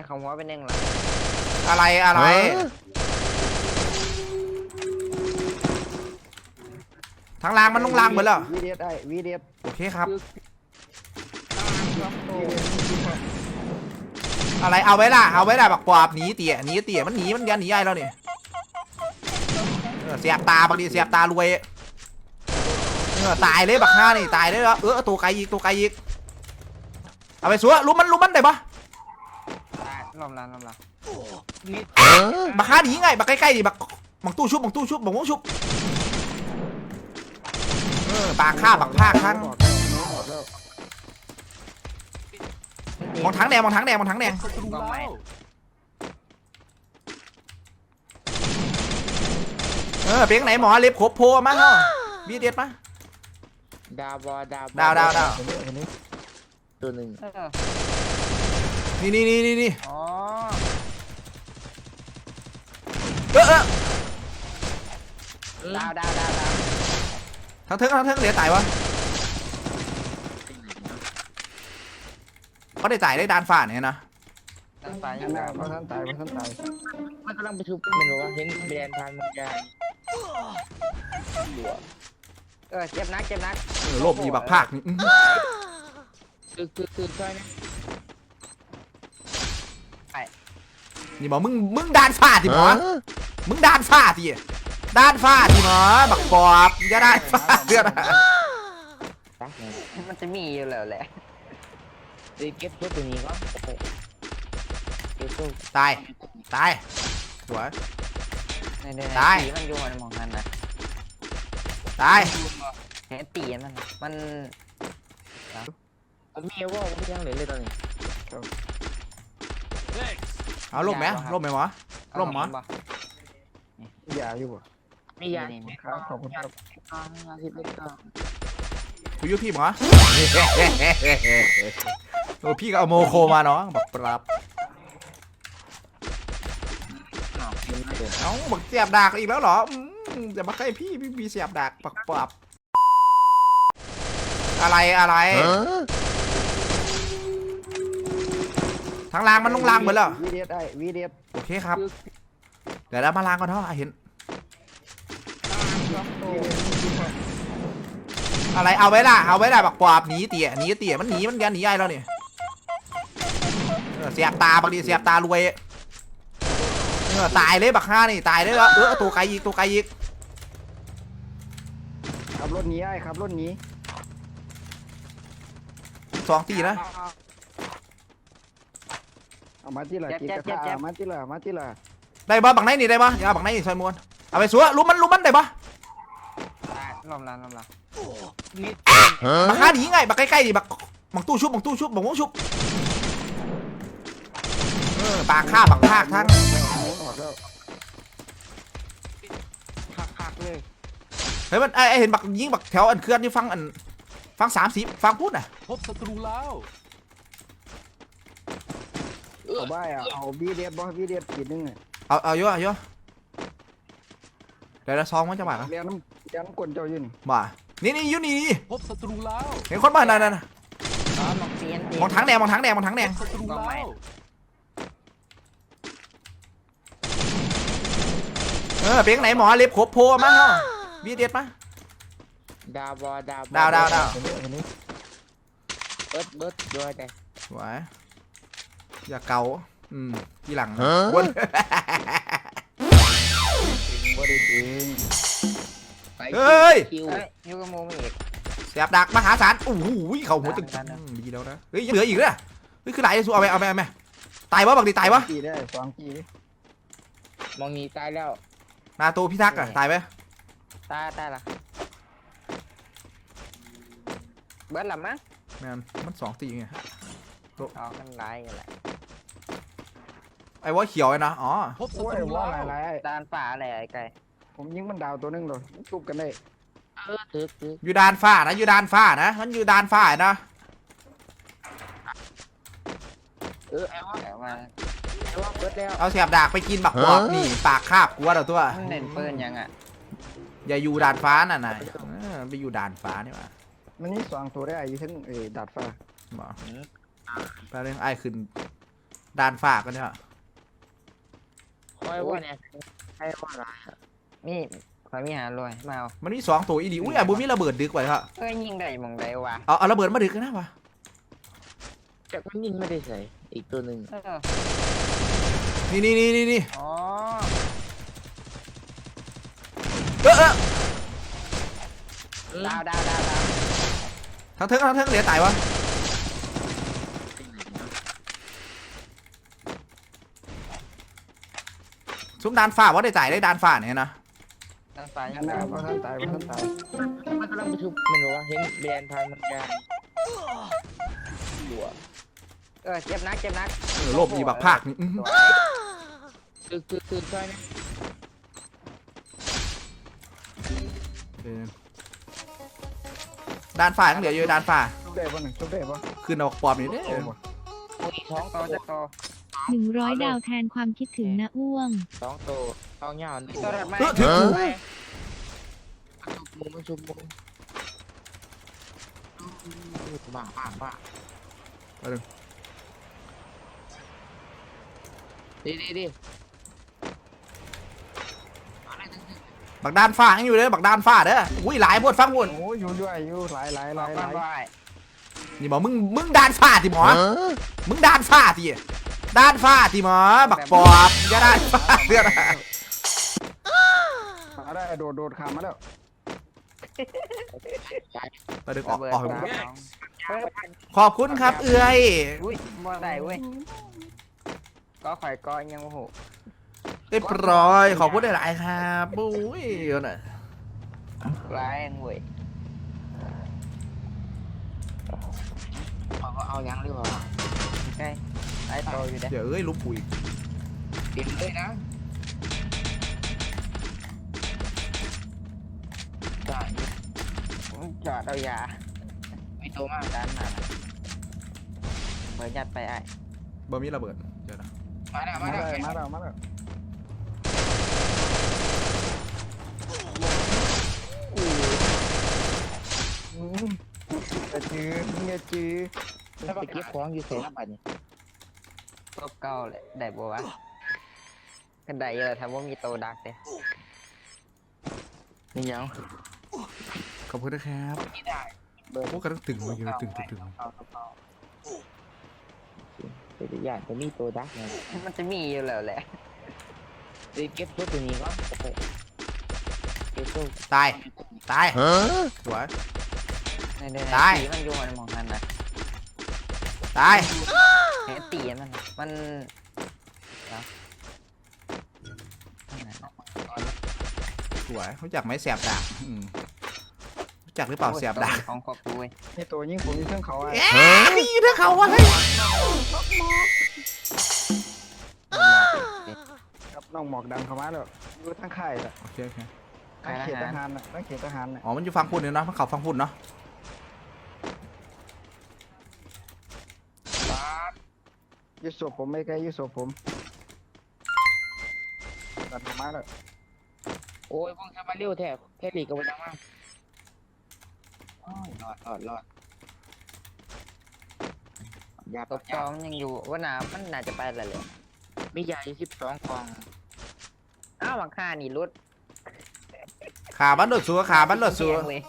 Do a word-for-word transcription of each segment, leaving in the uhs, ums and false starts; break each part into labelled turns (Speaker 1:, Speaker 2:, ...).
Speaker 1: ของหัวเป็นหนึ่งหรอ
Speaker 2: อะไรอะไรทางล่างมันลงล่างเหมือนแล้ว
Speaker 3: วีเดียดไอวีเดียด
Speaker 2: โอเคครับอะไรเอาไว้ล่ะเอาไว้ล่ะบักปอบหนีเตี่ยหนีเตี่ยมันหนีมันยันหนีไอ้แล้วเนี่ยเสียบตาบางทีเสียบตารวยเออตายเลยบักห้านี่ตายเลยแล้วเออตัวไกลอีกตัวไกลอีกเอาไปสัวลุ้มมันลุ้มมันได้ปะ
Speaker 1: ลมละลมละ
Speaker 2: บักห้าหนีไงบักใกล้ๆดิบักบักตู้ชุบบักตู้ชุบบักวงชุบเออปากฆ่าบักภาคทั้งมองถังแดงมองถังแดงมองถังแดงเออเพียงไหนหมอเล็บขบโพมาเนาะบีเด็ดมา
Speaker 1: ดาวบอดาว
Speaker 2: ดาวดาวดาว
Speaker 1: ตัวหนึ่ง
Speaker 2: นี่นี่นี่นี่นี่
Speaker 1: อ๋อ
Speaker 2: เออเออ
Speaker 1: ดาวดาวดาวดาว
Speaker 2: ทั้งเทิงทั้งเทิงเหลือตายวะเขาได้ตายได้ดานฝ่าเนี่ยนะ
Speaker 1: ดานฝ่ายั
Speaker 3: งไงเพราะท่านตายเพราะท่านตาย
Speaker 1: มันกำลังไปทุบไม่รู้ว่าเห็นแบรนด์ทานมันยางเออเจ็บนักเจ็บนัก
Speaker 2: เออโลบยีบักภาคนี่
Speaker 1: คือคือคือช่วยนะ
Speaker 2: นี่บอกมึงมึงดานฝ่าดิหมอมึงดานฝ่าดิดานฝ่าดิหมอบักปอบอย่าดานฝ่าเดือด
Speaker 1: มันจะมีอยู่แล้วแหละเก็บตัวนี้ก็
Speaker 2: ตายตายหัว
Speaker 1: ตายมันอยู่ในมองนั้นนะ
Speaker 2: ตาย
Speaker 1: เห็นตีมันมันมีว่าไม่ยังเหลือเลยตอนนี้
Speaker 2: เอาล่มไหมล่มไหมหมอล่มหมอ
Speaker 3: มียาอยู่ป่ะ
Speaker 1: มียา
Speaker 3: ครับขอบคุณครับ
Speaker 2: คุยยุ่พี่หมอโอ้พี่ก็เอาโมโคมาเนาะบอกปรับเอาบอกเสียบดากอีกแล้วเหรอจะมาใกล้พี่พี่มีเสียบดากปักปรับอะไรอะไรทางล่างมันลงล่างเหมือนแล้ว
Speaker 3: วีเดียดไอวีเดียด
Speaker 2: โอเคครับเดี๋ยวเรามาล่างกันเถอะเห็นอะไรเอาไว้ล่ะเอาไว้ล่ะบักปอบหนีเตี่ยหนีเตี่ยมันหนีมันยันหนีไอ้แล้วเนี่ยเสียบตาบางทีเสียบตารวยเออตายเลยบักห้านี่ตายเลยแล้วเออตัวไกลอีกตัวไกลอีก
Speaker 3: ขับรถหนีไอ้ขับรถหนี
Speaker 2: สองตีนะ
Speaker 3: เอามาที่ละกีกระทามาที่ละมาที่ละ
Speaker 2: ได้บ้าบักไหนนี่ได้บ้าอย่าบักไหนนี่ซอยมวนเอาไปสัวลุ้มมันลุ้มมันได้บ้า
Speaker 1: ลมละลมละ
Speaker 2: บักห้าหนีไงบักใกล้ๆดิบักบักตู้ชุบบักตู้ชุบบักวงชุบเออปากฆ่าบักภาคทั้ง
Speaker 1: หักเลย
Speaker 2: เฮ้ยมันไอเห็นบักยิงบักแถวอันเคลื่อนที่ฟังอันฟังสามสิบฟังพูดน่ะ
Speaker 4: พบศัตรูแล้ว
Speaker 3: เอาบ้าอ่ะเอาบีเดียดบอบีเดียดขีดนึง
Speaker 2: เอาเอาเยอะเยอะเดี๋ยวเราซองมันจะมา
Speaker 3: เรียนน้ำเรียนน้ำกลเจ้าอยู่นี่
Speaker 2: มานี่นี่ยูนี่
Speaker 4: พบศัตรูแล้ว
Speaker 2: เห็นคนบ้านนั่นน่ะมองถังแดงมองถังแดงมองถังแดง
Speaker 4: ศัตรูแล้ว
Speaker 2: เออเพียงไหนหมอเล็บขบโพมาเนาะบีเด็ดมา
Speaker 1: ดาวบอดาว
Speaker 2: ดาวดาวดาว
Speaker 1: เบิร์ดเบิร์ดด้วยแต่
Speaker 2: ไหวอย่าเกาอืมที่หลังวนเฮ้ย
Speaker 1: ยูกโมมีอีก
Speaker 2: เสียบดักมหาศาลโอ้โหเขาหัวตึงดีแล้วนะเฮ้ยเหลืออีกเลยเฮ้ยคือไหลสู้เอาไปเอาไปเอาไปตายวะบักดีตายวะ
Speaker 3: กีได้สองกี
Speaker 1: มองนี้ตายแล้ว
Speaker 2: นาโตพิทักษ์อะตายไหม
Speaker 1: ตายตายละเบิร์ดหลับมั้ง
Speaker 2: แมนมันสองตีไง
Speaker 1: อ๋อมันไรอะไร
Speaker 2: ไอ้ว่าเขียวไอ้นะอ๋อ
Speaker 3: พบศัตรูว่าอะไร
Speaker 1: ดานฝ่าอะไรไอ้ไก่
Speaker 3: ผมยิงมันดาวตัวนึงเลยชุบกันได้
Speaker 1: เออถือถือ
Speaker 2: อยู่ดานฟ้านะอยู่ดานฟ้านะมันอยู่ดานฟ้านะ
Speaker 1: เออไอ้ว่าไอ้ว่าไอ้ว่าเบิร์ดแล้ว
Speaker 2: เอาเสียบดากไปกินบักบอกนี่ปากคาบกลัวเราตัว
Speaker 1: เล่นเปิลยังอ่ะ
Speaker 2: อย่าอยู่ดานฟ้าน่ะนายไปอยู่ดานฟ้านี่วะ
Speaker 3: มันนี่สองตัวได้อยู่ทั้งเอดาดฟ้า
Speaker 2: บอกแป๊บนึงไอ้ขึ้นด่านฝากกันเนี่ย
Speaker 1: คอยว่าเนี่ยใช่ว่าอะไรนี่คอยมีหาลอยมาเอา
Speaker 2: มันมีสองตัวอีดีอุ้ยอ่ะบุมีระเบิดดึกไว้ครับ
Speaker 1: เอ้ยยิงได้มองได้วะ
Speaker 2: เอาเอาระเบิดมาดึกกันนะวะ
Speaker 5: จากมันยิงไม่ได้ใส่อีกตัวหนึ่ง
Speaker 1: เออ
Speaker 2: นี่นี่นี่นี่นี่
Speaker 1: อ๋อ
Speaker 2: เออเออ
Speaker 1: ดาวดาวดาวดาว
Speaker 2: ทั้งเทิงทั้งเทิงเหลือตายวะซุ้มดานฝ่าว่าได้จ่ายได้ดานฝ่าเนี่ยนะ
Speaker 1: ทางซ้ายยั
Speaker 3: นั่
Speaker 1: ง
Speaker 3: น
Speaker 1: ดา
Speaker 3: นะ
Speaker 1: ว
Speaker 3: เพราะท่านตายเพราะท่านตาย
Speaker 5: มันกำลังไปทุบไม่รู้ว่าเห็นแบรนด์ทางมันยางหัว
Speaker 1: เออเจ็บนักเจ็บนัก
Speaker 2: เออโลบอีบักภาคนี่อื้อหือ
Speaker 5: คือคือคือใช่ไหม
Speaker 2: เออดานฝ่ายังเหลืออยู่ดานฝ่า
Speaker 3: ชุบได้ปะหนึ่งชุบได้ปะ
Speaker 2: ขึ้นเอาปอบนี่เด้อ
Speaker 5: โอ้ยท้อง
Speaker 1: ต่อจะต่อ
Speaker 6: หนึ่งร้อยดาวแทนความคิดถึงนะอ้วง
Speaker 5: ท้องโตท้องยาวนี่
Speaker 1: ตัวถัดมา
Speaker 2: เออถึงกู
Speaker 5: มุมมันชุบมุมบ้าบ้าบ้าดีดีดี
Speaker 2: บักดานฝ่ายังอยู่เด้อบักดานฝ่าเด้ออุ้ยหลายพวดฟังพวด
Speaker 3: โอ้ยอยู่ด้วยอยู่หลายหลายห
Speaker 1: บอ
Speaker 3: ลาก ยห
Speaker 1: ว่า
Speaker 3: ลาย
Speaker 1: ว่า
Speaker 2: นี่บอกมึงมึงดานฝ่าติหมอมึงดานฝ่าติดานฝ่าติหมอบักปอบอย่าดานฝ่าเด้อนะ
Speaker 3: มาได้โดดโดดขามมาแล้ว
Speaker 2: ไปดึงออก
Speaker 1: ระเบิด
Speaker 2: ออก
Speaker 1: สามสองเฮ้ย
Speaker 2: ขอบคุณครับเอื้อย
Speaker 1: อุ้ยบ่ได้เว้ยก็ข่อยก็ยังโอ้โห
Speaker 2: เรียบร้อยขอบคุณหลายๆครับปุ้ยเอาหน่อย
Speaker 1: ร้ายเว้ย
Speaker 5: เขาก็เอายังหรือเปล่า
Speaker 1: ใกล้ไอ้โตอยู่เด้
Speaker 2: เดี๋ยวเอ้ยลุกปุ๋ย
Speaker 5: เต็มเลยนะได้
Speaker 1: จอดเอายา
Speaker 5: ไม่โตมาก
Speaker 1: ด้านหน้าเปิดยัดไปไอ้
Speaker 2: บะมีระเบิดเดี๋ยวนะ
Speaker 5: มาแล้ว
Speaker 3: มา
Speaker 5: มา
Speaker 3: แล้
Speaker 5: แล้ว ว
Speaker 3: มาแล้วมาแล้วจะจื้อเงี้ยจื้อ
Speaker 5: ถ้าไปเก็บของอยู่เสียน้ำมันนี่
Speaker 1: ตบเก้าเลยได้บัวะกันได้เยอะทำว่ามีโตดักเลย
Speaker 5: นี่ยัง
Speaker 2: ขอบคุณนะครับ
Speaker 5: ไม่ได้เบอร์
Speaker 2: พวกกระตึงมาเยอะตึงตึงตึง
Speaker 5: เอาเอาเป็นอย่างจะมีตัวดักไง
Speaker 1: มันจะมีอยู่แล้วแหละ
Speaker 5: เดี๋ยวเก็บตัวนี้ก่อนเก็บตัว
Speaker 2: ตายตายสวย
Speaker 1: ในในใน
Speaker 2: ได้
Speaker 1: ตีมันอยู่มันมองกันนะ
Speaker 2: ตาย
Speaker 1: เห็นตีมันน่ะมันเดี๋ยว
Speaker 2: สวยรู้จักไหมแสบดากอืมรู้จักหรือเปล่าแสบดาก
Speaker 1: ของขอบคุย
Speaker 3: นี่ตัวยิงผมมีเครื่องเขาอ่ะ
Speaker 2: เอ๊ะนี่ถ้าเขาวะเฮ้ย
Speaker 3: ครับน้องหมอกดันเข้ามาแล้วอยู่ทั้งค่ายแหละ
Speaker 2: โอเคโอเค
Speaker 3: ทั้งเขตทหารน่ะทั้งเขตทหารน่ะ
Speaker 2: อ๋อมันอยู่ฟังพูดเนี่ยเนาะมันเขาฟังพูดเนาะ
Speaker 3: ยึดศพผมไม่ไกลยึดศพผมดันเข้ามาแล้ว
Speaker 5: โอ้ยพวกทำมาเร็วแท้แค่หลีกกับวันมากรอดรอดรอดยา
Speaker 1: ตบจอมยังอยู่ว่าน้ำมันน่าจะไปแล้วเลย
Speaker 5: มียาสิบสองกล่อง
Speaker 1: อ้าวหลังคานี่รุด
Speaker 2: ขาบันรถสัวขาบันรถสัว
Speaker 1: เว้ย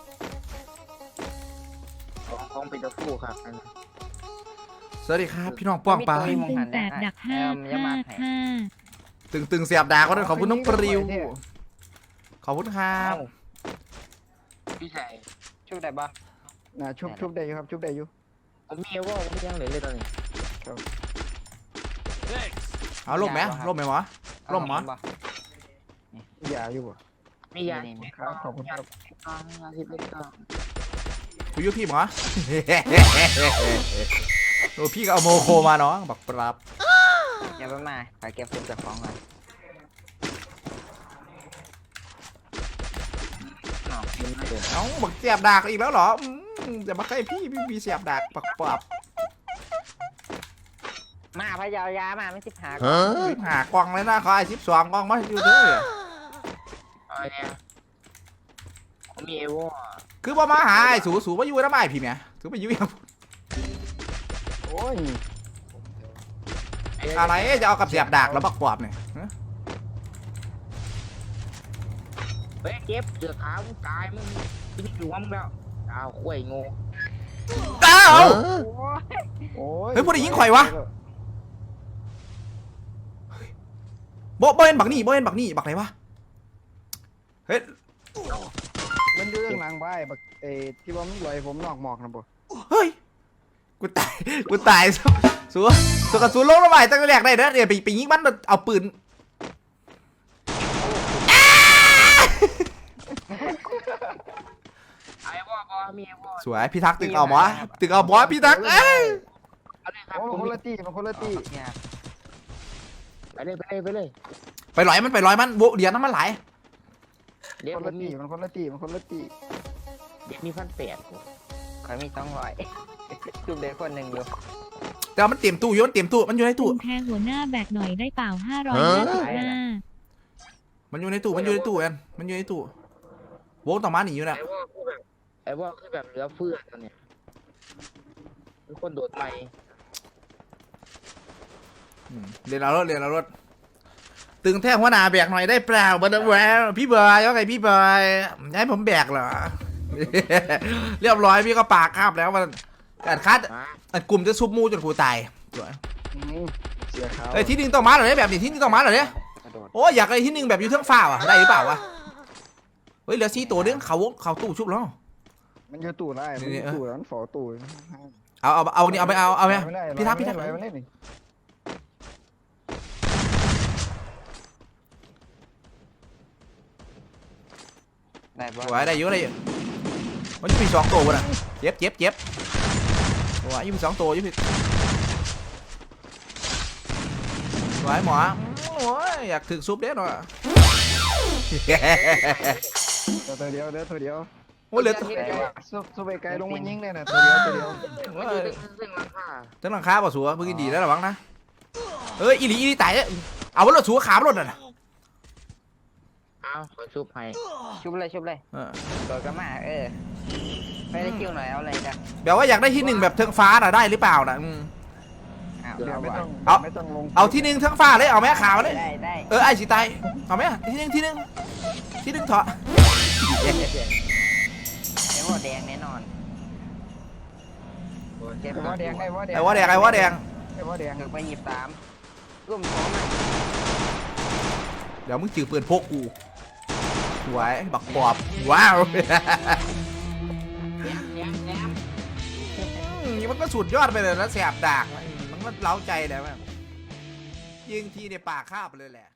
Speaker 5: ของของเป็นตะคู่ครับอันนี้
Speaker 2: สวัสดีครับพี่น้องป้องปลา
Speaker 6: ตึงแปดดักห้าห้าห้า
Speaker 2: ตึงตึงเสียบดากก็ด้วยขอบคุณน้องปริวขอบคุณครับ
Speaker 5: พี่ใส่
Speaker 1: ช่วยได้ปะ
Speaker 3: น่ะชุบชุบได้อยู่ครับชุบได้อยู่
Speaker 5: ผมมีว่าผมยังเหลือเลยตอนนี้
Speaker 2: เอาล่มไหมล่มไหมหมอ ร่มเหรอ
Speaker 1: ปะ
Speaker 3: อย่าอยู่บ่
Speaker 5: มียา
Speaker 1: นี่นี่
Speaker 3: ครับขอบคุณครับ
Speaker 5: กล่องยาสิบเอ็ดกล่อง
Speaker 2: คุยอยุพี่หมอ โอ้พี่ก็เอาโมโคมาเนาะบักปรับ
Speaker 1: อย่าไปมาไปเก็บฟุตจากของก่อน
Speaker 5: หนอกกินไม่เดือด
Speaker 2: เอ้าบักเสียบดากอีกแล้วเหรออืมจะมาใกล้พี่พี่มีเสียบดากบักปรับ
Speaker 1: มาพะเยายามาไม่สิบหา
Speaker 2: รีบหากล่องเลยนะขอไอ้สิบสองกล่องมาอยู่เด้อ
Speaker 5: อะไรเนี่ยผมมีเอวอ
Speaker 2: คือว่ามาหาไอ้สูสูมาอยู่แล้วไม่พี่แม่ถือไปอยู่ยัง
Speaker 3: โอ้ย
Speaker 5: ไอ้
Speaker 2: อะไรจะเอากับเสียบดากแล้วบักปอบเนี่ยฮะ
Speaker 5: เฮ้ยเก็บเสือขาวมึงตายมึงกินอยู่วังแล้วอ้าวข่วยงู
Speaker 2: อ้าว
Speaker 3: โอ้ย
Speaker 2: เฮ้ยพวกนี้ยิงข่อยวะ โบโบเห็นบักนี่โบเห็นบักนี่บักไหนวะเฮ้ย
Speaker 3: มันอยู่ข้างหลังบ้ายบักเอที่ว่ามันลอยผมนอกหมอกนะบ่
Speaker 2: เฮ้ยกูตายกูตายสัวสัวสัวกับสัวลงระบายตั้งแต่แรกได้เด้อเดี๋ยวไปไปยิงมันเอาปืน
Speaker 5: ไอ้ว่าบอมีไอ้ว่า
Speaker 2: สวยพี่ทักษ์ตึกเอาหมอตึกเอาหมอพี่ทักษ์เอ้ย
Speaker 5: เอาเลยครับ
Speaker 3: โอ้
Speaker 5: ผม
Speaker 3: มันคนละตีมันคนละตี
Speaker 5: เนี่ยไปเลยไปเลยไปเลย
Speaker 2: ไปลอยมันไปลอยมันโบเดี๋ยวน้ำมันไหล
Speaker 5: เดี๋ยว
Speaker 3: คน
Speaker 5: ผ
Speaker 3: ละ
Speaker 5: ม
Speaker 3: ตี
Speaker 5: มี
Speaker 3: มันคนละตีมันคนละตี
Speaker 5: เดี๋ยวมีพันแปดใครมีต้องร้อยจุดเด็กคนหนึ่งอยู่
Speaker 2: แต่ว่ามันเตรียมตู้อยู่มันเตรียมตู้มันอยู่ในตู้
Speaker 6: คุณแทนหัวหน้าแบกหน่อยได้เปล่าห้าร้อยห้าสิบห้า
Speaker 2: มันอยู่ในตู้มันอยู่ในตู้แอนมันอยู่ในตู้โบต่อมาหนีอยู่น่ะ
Speaker 5: ไอ้ว่าคือแบบไอ้ว่าคือแบบเหลือเฟือตอนเนี้ยมีคนโดดใหม่
Speaker 2: อืมเรียนเอารถเรียนเอารถตึงแท่หัวหน้าแบกหน่อยได้เปล่าบันแหวพี่บอยว่าไงพี่บอยให้ผมแบกเหรอ เรียบร้อยพี่ก็ปากคาบแล้วมันการคัด
Speaker 5: มา
Speaker 2: อันกลุ่มจะซุบมูจนกูตายสวย
Speaker 3: อืมเสียขาว
Speaker 2: เอ้ยที่หนึ่งต้องมาเหรอเนี่ยแบบนี้ที่หนึ่งต้องมาเหรอเนี่ย
Speaker 5: กระโดด
Speaker 2: โอ้ยอยากไอ้ที่หนึ่งแบบอยู่เทิงฟ้าว่ะได้หรือเปล่าวะเฮ้ยเหลือสี่ตัวเด้งเขาเขาตู้ชุบแล้ว
Speaker 3: มันอยู่ตู้ได้มันอยู่ตู้แล้วมันฝอตู้
Speaker 2: เอาเอาเอานี่เอาไปเอาเอาไป
Speaker 3: ไม่ได้
Speaker 2: พี่ทักพี่ทัก
Speaker 3: ไม่ได้ไม่ได้นี่
Speaker 5: ได้ปะ
Speaker 2: สวยได้เยอะได้เยอะมันจะมีสองตัวน่ะเจ็บเจ็บเจ็บสวยยังมีสองตัวยังมีสวยหมอโอ้ยอยากถึกซุปเด้หน่อย
Speaker 3: ตัวเดียวเด้อตัวเดียว
Speaker 2: โอ้ยเหลือ
Speaker 3: ซุบซุบไปไกลลงมันยิงได้น่ะตัวเดียวตัวเดียว
Speaker 5: มันอยู่เส้นหลังคา
Speaker 2: ตั้งหลังคาป่ะสัวเมื่อกี้ดีแล้วหรอวังนะเอ้ยอีหลีอีหลีตายเนี่ยเอารถสัวขาบรถน่ะ
Speaker 5: เอาขอชุบให้ชุบเลยชุบเลย
Speaker 2: เออ
Speaker 5: โดดกระมาเออไม่ได้คิวหน่อยเอาอะไรกัน
Speaker 2: แบบว่าอยากได้ที่หนึ่งแบบเทิงฟ้าน่ะได้หรือเปล่าน่ะอืม
Speaker 5: อ้าว
Speaker 3: เดี๋ยวไม่ต้อง
Speaker 2: เอา
Speaker 3: ไม่ต้องลง
Speaker 2: เอาที่หนึ่งเทิงฟ้าเลยเอาแม่ขาวเลย
Speaker 5: ได้ได้
Speaker 2: เออไอ้สีตายเอาไหมที่หนึ่งที่หนึ่งที่หนึ่งเถอะ
Speaker 5: ไอ้ว่าแดงแน่นอนเจ็บ
Speaker 3: ไอ้ว่าแดงไอ้ว่าแดง
Speaker 2: ไอ้ว่าแดงไอ้ว่าแดง
Speaker 3: ไอ้ว่าแดง
Speaker 5: ถึงไปหยิบสามร่วมสองมา
Speaker 2: เดี๋ยวมึงจือปืนพกกูสวยบักปอบว้าว
Speaker 5: แย้มแย้มแย้ม
Speaker 2: อืมมันก็สุดยอดไปเลยนะแสบดากมันก็เล้าใจเลยแม่งยิงทีในปากคาบเลยแหละ